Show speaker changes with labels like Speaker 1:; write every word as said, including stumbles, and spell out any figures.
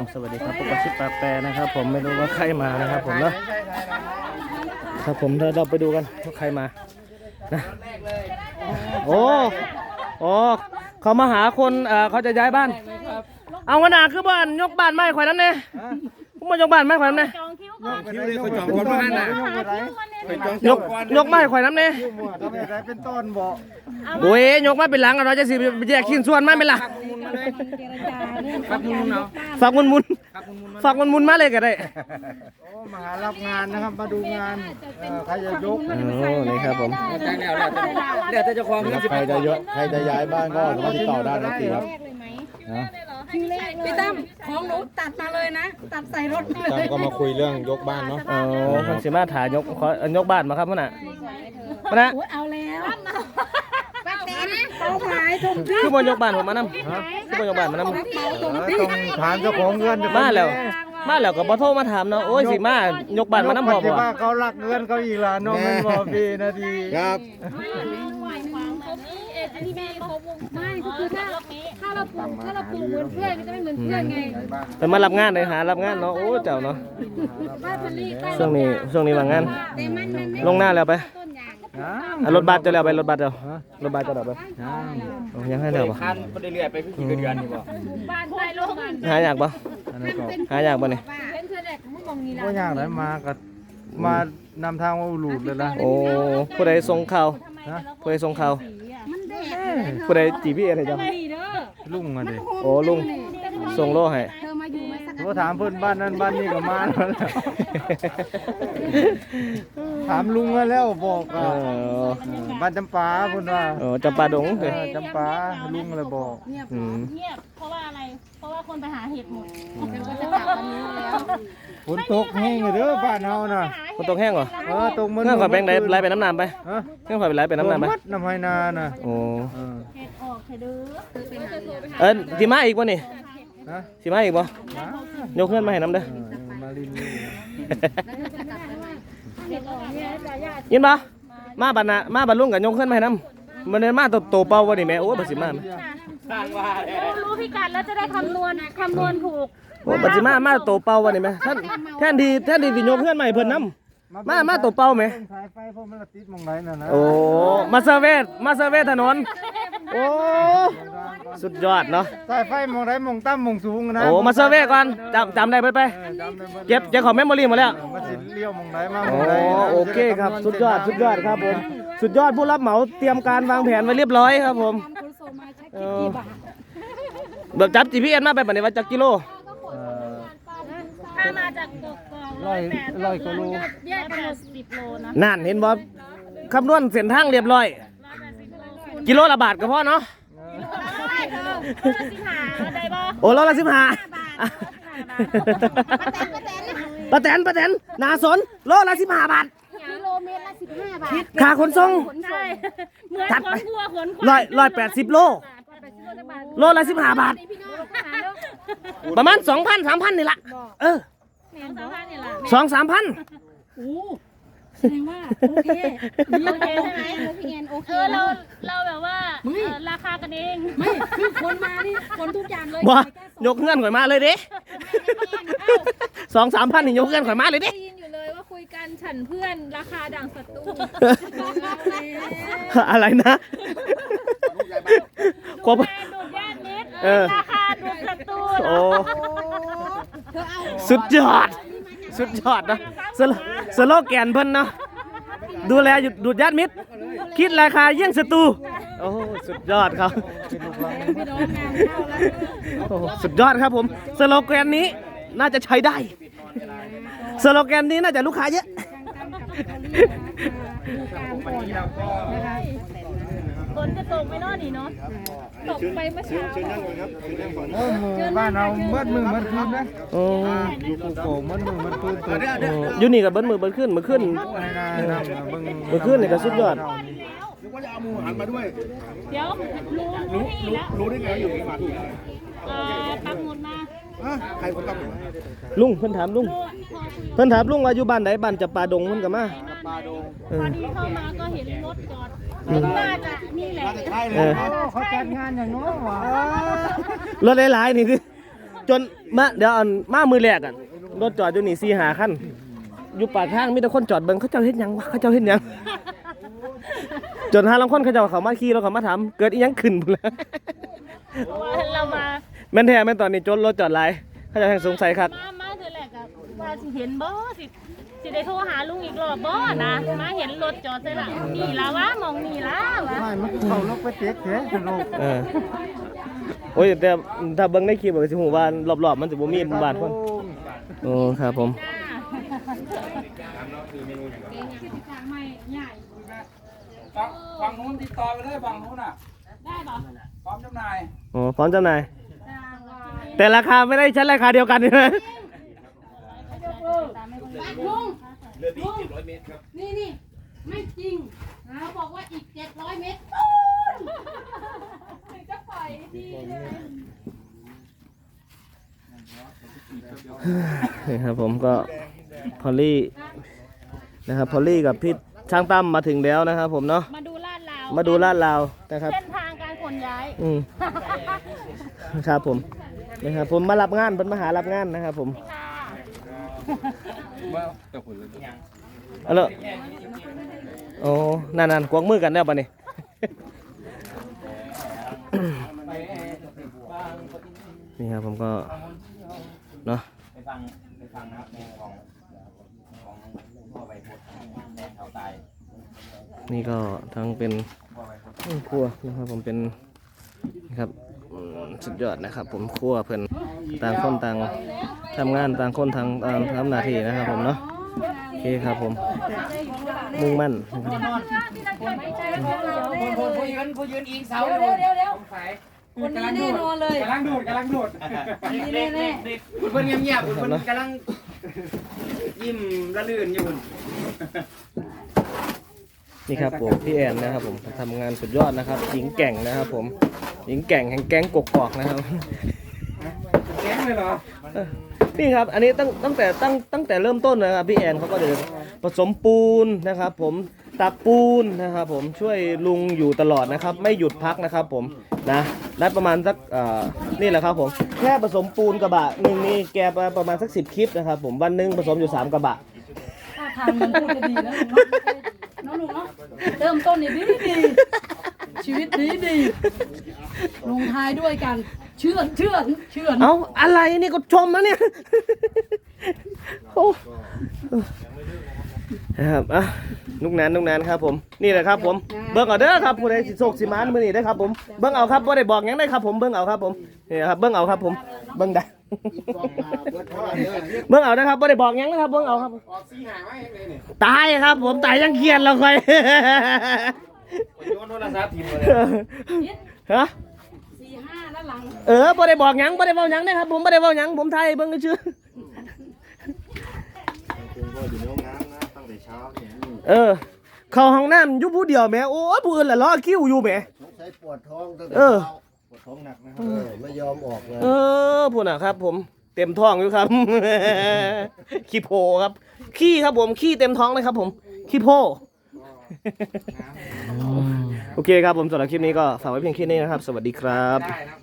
Speaker 1: ผมสวัสดีครับพบกับชิปปาแปรนะครับผมไม่รู้ว่าใครมานะครับผมนะครับผมเดี๋ยวเราไปดูกันว่าใครมานะโอ้โอ้เขามาหาคนเอ่อเขาจะย้ายบ้านเอาขนาดคือบ้านยกบ้านไม้ข่อยน้ำเนี่ยผมมายกบ้านไม้ข่อยน้ำเนี่ยยกยกไม้ข่อยน้ำเนี่ย
Speaker 2: เป็นต้นบ่
Speaker 1: โอ้ยยกมาเป็นหลังเราจะสิแยกชิ้นส่วนมาเป็นหลังฝากมุนมุนฝากมุนมุนฝากมุนมุนมาเลยก็ได้
Speaker 2: โอ้มาหารับงานนะครับมาดูงานใครจะยก
Speaker 1: โอ้นี่ครับผม
Speaker 3: เดี๋ยวจะความ
Speaker 2: ใครจะยกใครจะย้ายบ้านก็สามารถติดต่อได้นะทีครับ
Speaker 4: พี่ตั้มของหนูตัดมาเลยนะตัดใส่รถเลย
Speaker 2: ตั้มก็มาคุยเรื่องยกบ้านเนาะ
Speaker 1: โอ้คนสิมาถ่ายยกขอยกบ้านมาครับพ่อน่ะพ่อน่ะ
Speaker 4: เอาแล้วป้าเต้นเอาหายชมที่
Speaker 1: คือบนยกบ้านผมมานำคือบนยกบ้านมานำ
Speaker 2: ต้องถามเจ้าของเงิน
Speaker 1: มาแล้วมาแล้วก็บ่โทรมาถามเนาะโอ้ยสิมายกบ้านมานำพอบ่
Speaker 2: ว่าเขารักเงินเขาอีกล่ะน้องมันบ่พี่นาทีครับ
Speaker 4: ที่แม่เขาไม่ก็คือถ้าถ้าเราปลูกถ้าเราปลูกเหมือนเพื่อนก็จะไม่เหมือนเพื่อนไง
Speaker 1: แต่มารับงานเลยหารับงานเนาะโอ้เจ้าเนาะช่วงนี้ช่วงนี้ว่างงานลงหน้าแล้วไปรถบัสจะแล้วไปรถบัสเดี๋ยวรถบัสจะแล้วไปยังให้เดี๋ยวป่ะ
Speaker 3: คันไปเรื่อยๆไปกี่เดือนนี่บ่
Speaker 4: บ้านไปลง
Speaker 1: หายากป่ะหายากป่ะนี่
Speaker 2: ก็ยากเลยมากับมานำทางว่าหลุดเลยนะ
Speaker 1: โอ้ผู้ใดส่งข่าวผู้ใดส่งข่าวผู้ใดจีพีอะไรจ้ะ
Speaker 2: ลุงอ่ะดิ
Speaker 1: โอ้ลุงส่งโล่ให้
Speaker 2: ก็ถามเพื่อนบ้านนั้นบ้านนี้ก็มาแล้วถามลุงมาแล้วบอกบ้านจำปาเพื่อนว่า
Speaker 1: โอ้จำปาดง
Speaker 2: จำปาลุงเลยบอก
Speaker 4: เงียบเพราะว่าอะไรเพราะว่าคนไปหาเห็ดหมดก็จะกลับวันนี้แล้ว
Speaker 2: ฝนตกแห้งเลยเด้อบ้านเฮาน่ะ
Speaker 1: ฝนตกแห้งเหรอ
Speaker 2: เออตกมัน
Speaker 1: เงื่อนข่อยแบงค์ไหลไปน้ำน้ำไปเงื่อนข่อยไปไหลไปน้ำน้ำไป
Speaker 2: น้ำไฮนาน่ะ
Speaker 1: โอ้
Speaker 4: เห็ดออกเห็ดเด้อ
Speaker 1: เออสีมาอีกป่ะนี่สีมาอีกป่ะยกเงื่อนมาให้น้ำเด้อยินป่ะมาบันนะมาบันลุงกับยกเงื่อนมาให้น้ำมันเดินมาโตเป่าวะนี่แม่โอ้บัสิมา
Speaker 4: รู้พิกัดแล้วจะได้คำนวณคำนวณถูก
Speaker 1: โอ้บัสิมามาโตเป่าวะนี่แม่ท่านแทนดีแทนดีสิยกเงื่อนมาให้เพิ่นน้ำมามาโตเป่าไหม
Speaker 2: สายไฟพวกมันติดมองไหนน่ะนะ
Speaker 1: โอ้มาเซเวตมาเซเวตถนนโอ้สุดยอดเนาะ
Speaker 2: สายไฟมองไหนมองต่ำมองสูงนะ
Speaker 1: โอ้มาเซเวตก่อนจำจำได้ไปไปเก็บเก็บของเมมโมรี่หมดแล้ว
Speaker 2: มาสิเลี้ยวมองไหนมา
Speaker 1: โอ้โอเคครับสุดยอดสุดยอดครับผมสุดยอดผู้รับเหมาเตรียมการวางแผนไว้เรียบร้อยครับผมแบบจับ จี พี เอส มาไปบัดนี้ว่าจักกิโล
Speaker 4: ถ้ามาจากกกอกร้อยแปดร้อยกิโลแยกแปดสิบโลนะ
Speaker 1: นั่นเห็นบ่คำนวณเส้นทางเรียบร้อยกิโลละบาทก็พอเนาะโอ้โลละสิบห้าปะแตนปะแตนนาสนโลละสิบห้าบาท
Speaker 4: กิโลเมตรละสิบห้าบาท
Speaker 1: ค่าขนส่ง
Speaker 4: เหมือนขนวัวขน
Speaker 1: ร้อยร้อยแปดสิบโลโลละสิบห้าบาทประมาณสองพันสามพันนี่ละเออสองสามพัน
Speaker 4: โอ้แสดงว่าโอเคโอเคใช่ไหมพี่แอนโอเคเออเราเราแบบว่าราคากันเองไม่คือคนมานี่คนทุกอย่างเลย
Speaker 1: บ่ยกเงื่อนข่อยมาเลยดิสองสามพันนี่ยกเงื่อนข่อยมาเลยดิ
Speaker 4: ได้ยินอยู่เลยว่าคุยกันฉันเพื่อนราคาดังศัตรู
Speaker 1: อะไรนะ
Speaker 4: กบดูดญาติมิตรราคาดูดศัตรู
Speaker 1: โอ้สุดยอดสุดยอดนะสโลแกนเพิ่นเนาะดูแลดูดญาติมิตรคิดราคาเยี่ยงศัตรูโอ้สุดยอดครับสุดยอดครับผมสโลแกนนี้น่าจะใช้ได้สโลแกนนี้น่าจะลูกค้าเยอะ
Speaker 4: ฝนจะตกไม่นอนนี่เนาะตกไปเมื่อเช้า
Speaker 2: บ้านเราเมื่อมือเมื่อคืนนะโอ้อยู่กูโกเมื่อมือเมื่อคืน
Speaker 1: อยู่นี่กับเบิ้ลมือเบิ้ลขึ้นมือขึ้นมือขึ้นนี่ก็สุดยอด
Speaker 3: นึกว่าจะเอาหมูหันมาด้วย
Speaker 4: เดี๋ยวรู้รู้
Speaker 3: รู้ได้ไงอยู่ที่มาที่
Speaker 4: ปักหมุดมา
Speaker 3: ใครคนตั้ง
Speaker 1: ลุงเพิ่นถามลุงเพิ่นถามลุงว่าอยู่บ้านไหนบ้านจับปาดงมันกับมา
Speaker 3: ปาดง
Speaker 4: พอดีเข้ามาก็เห็นรถจอดน่าจะนี่แหละ
Speaker 2: เขาจัดงานอย่างน้อยวะ
Speaker 1: รถหลายๆนี่คือ
Speaker 4: เ
Speaker 1: จนมาเดี๋ยวอันมามือแรกอ่ะรถจอดอยู่นี่สี่หาคันอยู่ปากทางมีแต่คนจอดเบิ่งเขาเจ้าเฮ็ดหยังวะเขาเจ้าเฮ็ดหยังจนหาลางคนเขาเจ้าเขามาขี่แล้วเขามาถามเกิดอีหยังขึ้นพุ่นล่ะ
Speaker 4: เพราะว่าเรามา
Speaker 1: แม่นแท้แม่นตอนนี้จนรถจอดหลายเขาเจะสงสัยครับ
Speaker 4: มามาคือแรกอะว่าสิเห็นบ่สิสิได้โทรหาลุงอีกรอบบ่นะมาเห็นรถจอดใส่ละนี่ละวะมองนี่ละวะ
Speaker 2: ไม่มันเข้าลกไปเตะแขนกันลก
Speaker 1: เออโอ้ยแต่ถ้าเบิ่งในคลิปก็สิฮู้ว่ารอบๆมันสิบ่มีบ้านคนโอ้ครับผม
Speaker 2: ฝั่งฝั่งนู้นติดต่อไปเลยฝั่งนู้นอ่ะ
Speaker 4: ได้บ่
Speaker 2: พร้อมจำหน่าย
Speaker 1: โอ้พร้อมจำหน่ายแต่ราคาไม่ได้ชั้นราคาเดียวกันใช่ไหม
Speaker 5: ลุงนี่นี่ไม่จริงเขาบอกว่าอีกเจ็ดร้อยเมตรถึงจะปล่อยดีเลย
Speaker 1: นี่ครับผมก็พอลลี่นะครับพอลลี่กับพี่ช่างตั้มมาถึงแล้วนะครับผมเนาะ
Speaker 4: มาดูลาดลาว
Speaker 1: มาดูลาดลาวนะครับ
Speaker 4: เส้นทางการขนย้าย
Speaker 1: อืมครับผมนะครับผมมารับงานเป็นมาหารับงานนะครับผม
Speaker 4: ค่ะ
Speaker 1: เอาละโอ้นานๆกวางมือกันแล้วปะนี่ นี่ครับผมก็เนาะ
Speaker 3: ไปฟังไปฟังนะครับในของของพ่อใบพดแดงเขาตาย
Speaker 1: นี่ก็ทั้งเป็นครัวนะครับผมเป็นนะครับอืมสุดยอดนะครับ ผมครัวเพิ่นต่างคนต่างทำงานต่างคนทางต่างทำหน้าที่นะครับผมเนาะโอเคครับผมมุ่งมั่นนะครับ
Speaker 2: ผู้ผู้ยืนผู้ยืนอิงเสา
Speaker 5: เดี๋ยวเดี๋ยวเดี๋ยวเดี๋ยว
Speaker 2: สาย
Speaker 5: คนนี้แน่นอนเลย
Speaker 2: กำลังดูดกำลังดูด
Speaker 5: คนนี้แน่แน่
Speaker 2: คุณเพิ่นเงียบๆคุณเพิ่นกำลังยิ้มระลื่นอยู่
Speaker 1: นี่ครับผมพี่แอนนะครับผมทำงานสุดยอดนะครับ หญิงแกร่งนะครับ ผมหญิงแกร่งแห่งแก๊งกกอกนะครับ
Speaker 2: แก๊งเลยเหรอ
Speaker 1: นี่ครับอันนี้ตั้งตั้งแต่ตั้งตั้งแต่เริ่มต้นนะครับพี่แอนเขาก็เดินผสมปูนนะครับ ผมตักปูนนะครับ ผมช่วยลุงอยู่ตลอดนะครับ ไม่หยุดพักนะครับ ผมนะได้ประมาณสักเอ่อนี่แหละครับผมแค่ผสมปูนกระบะหนึ่งนี่แกไปประมาณสักสิบคลิปนะครับ ผมวันหนึงผสมอยู่สามกระบะ
Speaker 5: ถ้าทางมันพูดจะดีนะลุงเนาะน้องลุงเนาะเริ่มต้นนี่ดีดีชีวิตดีดีลงท้ายด้วยกันเชื่อนเชื่อนเชื่อน
Speaker 1: เอาอะไรนี่ก็ชมนะเนี่ย โอ้นะครับอ่ะนุกนานนุกนานครับผมนี่แหละครับผมเบิ้งเอาเด้อครับผู้ใดสิโศกสิมานมื้อนี้ได้อครับผมเบิ้งเอาครับบ่ได้บอกหยังได้ครับผมเบิ้งเอาครับผมนี่ครับเบิ้งเอาครับผมเบิ้งได้เบิ้งเอานะครับบ่ได้บอกหยังนะครับเบิ้งเอาครับตายครับผมตายยังเครียดแล้วค่อย
Speaker 3: โยนโทรศัพท์ทิ้งเลย
Speaker 1: ฮะ
Speaker 5: สี่ห้าด้านหลัง
Speaker 1: เออบ่ได้บอกหยังบ่ได้เว้าหยังนะครับผมบ่ได้เว้าหยังผมไทยเบิ่งชื่อ
Speaker 3: คุณก็อยู่ในห้องน้ำนะตั้งแต่เช้าเนี่ย
Speaker 1: เออเข้าห้องน้ำอยู่ผู้เดียวแหมโอ้ยผู้อื่นล่ะรอคิวอยู่แหม
Speaker 6: ใช้ปวดท้องตั้งแต่
Speaker 1: เออ
Speaker 6: เช้าปวดท้องหนักนะครับเออไม่ยอมออกเลย
Speaker 1: เออพูดน่ะครับ ผมเต็มท้องอยู่ครับ ขี้โพครับขี้ครับผมขี้เต็มท้องเลยครับ ผมขี้โพ โอเคครับผมสำหรับคลิปนี้ก็ฝากไว้เพียงแค่นี้นะครับ สวัสดีครับ
Speaker 2: ได้นะ